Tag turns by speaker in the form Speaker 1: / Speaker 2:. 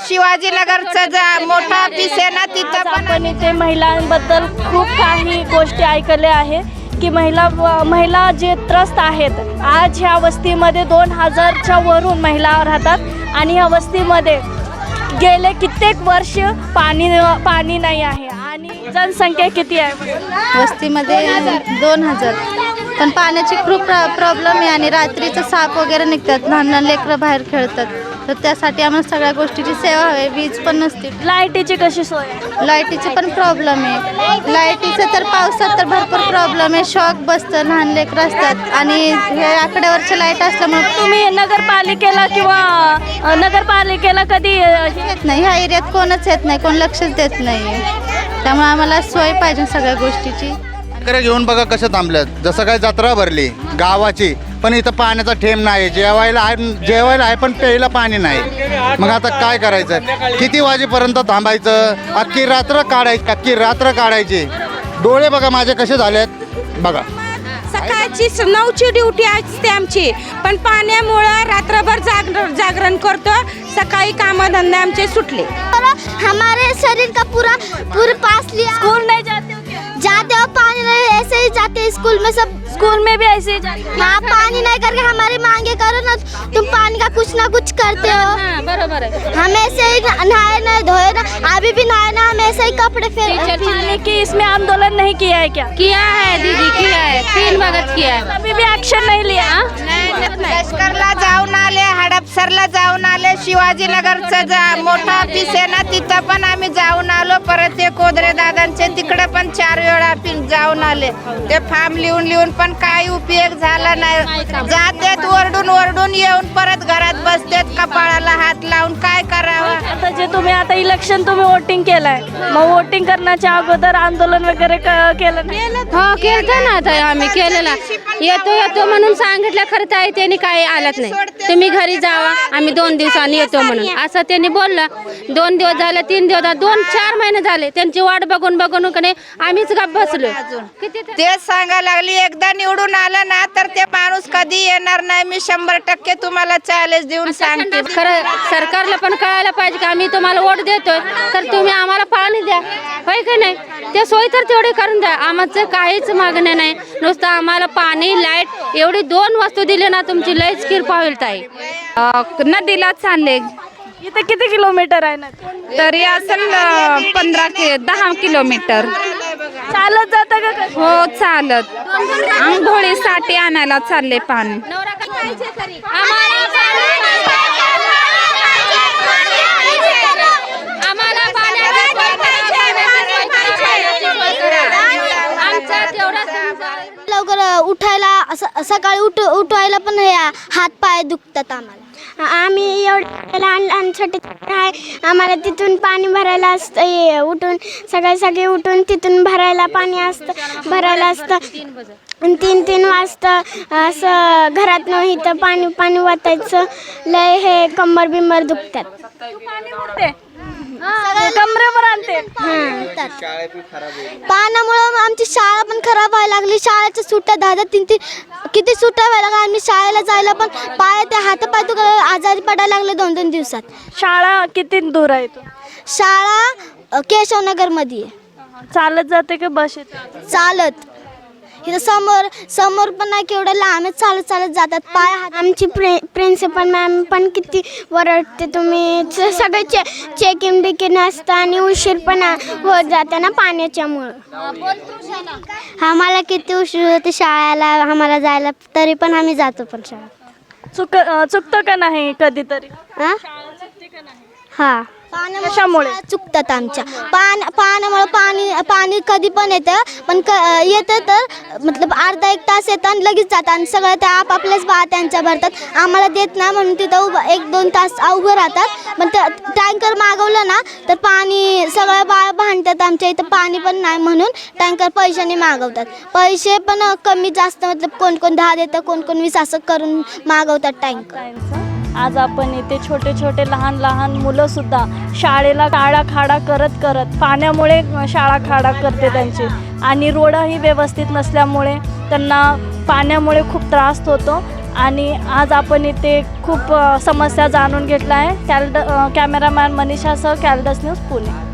Speaker 1: शिवाजीनगरचं मोठा ऑफिस आहे ना, तिथं पण
Speaker 2: आपण इथे महिलांबद्दल खूप काही गोष्टी ऐकल्या आहे की महिला जे त्रस्त आहेत. आज ह्या वस्तीमध्ये 2000च्या वरून महिला राहतात आणि ह्या वस्तीमध्ये गेले कित्येक वर्ष पाणी नाही आहे. आणि जनसंख्या किती आहे
Speaker 3: वस्तीमध्ये? 2000. पण पाण्याची खूप प्रॉब्लेम आहे आणि रात्रीचं साप वगैरे निघतात, लहान लहान लेकरं बाहेर खेळतात. तर त्यासाठी आम्हाला सगळ्या गोष्टीची सेवा हवी. वीज पण नसते.
Speaker 2: लाईटीची कशी सोय आहे?
Speaker 3: लाईटीची पण प्रॉब्लेम आहे. लाईटीचं तर पावसात तर भरपूर प्रॉब्लेम आहे. शॉक बसतं, लहान लेकरं असतात आणि हे आकड्यावरच्या लाईट असल्यामुळे
Speaker 2: तुम्ही नगरपालिकेला कधी
Speaker 3: येत नाही. ह्या एरियात कोणच येत नाही, कोण लक्षच देत नाही. त्यामुळे आम्हाला सोय पाहिजे सगळ्या गोष्टीची.
Speaker 4: घेऊन बघा कसं थांबल्यात. जसं काय जत्रा भरली गावाची, पण इथं पाण्याचा थेंब नाही. जेवायला आहे पण प्यायला पाणी नाही. मग आता काय करायचं? किती वाजेपर्यंत थांबायचं? अख्खी रात्र काढायची. डोळे बघा माझे कसे झालेत बघा.
Speaker 5: सकाळची 9ची ड्युटी असते आमची, पण पाण्यामुळं रात्रभर जागरण करतो. सकाळी कामधंदे आमचे सुटले.
Speaker 6: हमारे शरीर का पूरा पास लिया।
Speaker 2: स्कूल नहीं जाते हो?
Speaker 6: जाते हो, पानी नहीं, ऐसे ही जाते हैं स्कूल में सब।
Speaker 2: स्कूल में भी ऐसे ही जाते?
Speaker 6: हाँ, पानी नहीं करके हमारी मांगे करो ना, तुम पानी का कुछ ना कुछ करते हो।
Speaker 5: बरोबर आहे.
Speaker 6: हम ऐसे ही नहाए ना धोए ना, अभी भी नहाए ना, हम ऐसे ही कपड़े
Speaker 2: पानी की इसमें आंदोलन नहीं किया है क्या?
Speaker 5: किया है दीदी, किया है. 3 वगत किया है.
Speaker 2: अभी भी एक्शन नहीं लिया?
Speaker 1: लष्करला जाऊन आले, हडपसरला जाऊन आले. शिवाजीनगरचं मोठा ऑफिस आहे ना, तिथं पण आम्ही जाऊन आलो. परत ते कोदरे दादांचे तिकडे पण 4 वेळा जाऊन आले. ते फॉर्म लिहून पण काही उपयोग झाला नाही. जातेत ओरडून येऊन परत घरात बसतेत, कपाळाला हात लावून. काय करावं?
Speaker 2: आता जे तुम्ही आता इलेक्शन तुम्ही वोटिंग केलंय, मग वोटिंग करण्याच्या अगोदर आंदोलन वगैरे केलं नाही?
Speaker 5: हो, केलं ना. आता आम्ही केलेला. येतो म्हणून सांगितलं, खरं तर त्यांनी काही आलंच नाही. तुम्ही घरी जावा, आम्ही 2 दिवसांनी येतो म्हणून असं त्यांनी बोललं. 2 दिवस झाले, 3 दिवस, 2-4 महिने झाले त्यांची वाट बघून आम्हीच गप्प बसलो.
Speaker 1: तेच सांगायला लागली, एकदा निवडून आलं ना तर ते माणूस कधी येणार नाही. मी 100% तुम्हाला चॅलेंज देऊन सांगते.
Speaker 5: खरं सरकारला पण कळायला पाहिजे की आम्ही तुम्हाला वोट देतोय, तर तुम्ही आम्हाला पाणी द्या, होय की नाही? ते सोय तर तेवढी करून द्या. आमचं काहीच मागणं नाही, नुसतं आम्हाला पाणी, लाईट एवढी 2 वस्तू दिली ना, तुमची लयच किरपा होईल ताई. नदीला चालले.
Speaker 2: इथे किती किलोमीटर आहे ना?
Speaker 5: तरी असेल 10 किलोमीटर.
Speaker 2: चालत जाता का कसं?
Speaker 5: हो, चालत. आंघोळीसाठी आणायला चालले पाणी.
Speaker 6: लवकर उठायला, सकाळी उठवायला पण हात पाय दुखतात आम्हाला. आम्ही एवढे लहान छोटे आहे, आम्हाला तिथून पाणी भरायला असतं. उठून सगळे उठून तिथून भरायला भरायला असतं. 3 वाजता असं घरात नाही, इथं पाणी वाटायचं. लय हे कंबर बिंबर दुखतात.
Speaker 2: कमरेवर आणते.
Speaker 6: पाण्यामुळं आमची शाळा पण खराब व्हायला लागली. शाळेच्या सुट्ट्या 10-3 किती सुट्ट्या व्हायला लागल्या. आम्ही शाळेला जायला पण हातपाय आजारी पडायला लागले 2-2 दिवसात.
Speaker 2: शाळा किती दूर आहे?
Speaker 6: शाळा केशवनगरमध्ये आहे.
Speaker 2: चालत जाते का बस येते?
Speaker 6: चालत. इथं समोर पण नाही, केवढं लांब चालत जातात. पाय आमची प्रिन्सिपल मॅम पण किती वरडते. तुम्ही सगळे चेकिंग बिकिंग असतं आणि उशीर पण होत जाते ना पाण्याच्यामुळं. आम्हाला किती उशीर होते शाळेला आम्हाला जायला, तरी पण आम्ही जातो पण शाळेत.
Speaker 2: चुकतं का नाही कधीतरी?
Speaker 6: हा,
Speaker 2: कशामुळे
Speaker 6: चुकतात आमच्या? पाण्यामुळे पाणी कधी पण येतं, पण येतं तर मतलब अर्धा-1 तास येतं आणि लगेच जातं आणि सगळं ते आपापल्याच त्यांच्या भरतात. आम्हाला देत नाही म्हणून तिथं 1-2 तास उभं राहतात. पण टँकर मागवलं ना तर पाणी सगळं भांडतात. आमच्या इथं पाणी पण नाही म्हणून टँकर पैशाने मागवतात. पैसे पण कमी जास्त, मतलब कोण 10 देतं, कोण 20 असं करून मागवतात टँकर.
Speaker 2: आज आपण इथे छोटे लहान मुलं सुद्धा शाळेला खाडा करत पाण्यामुळे शाळा खाडा करते त्यांची, आणि रोडही व्यवस्थित नसल्यामुळे त्यांना पाण्यामुळे खूप त्रास होतो. आणि आज आपण इथे खूप समस्या जाणून घेतल्या आहे. कॅमेरामॅन मनीषासह कॅलडस न्यूज पुणे.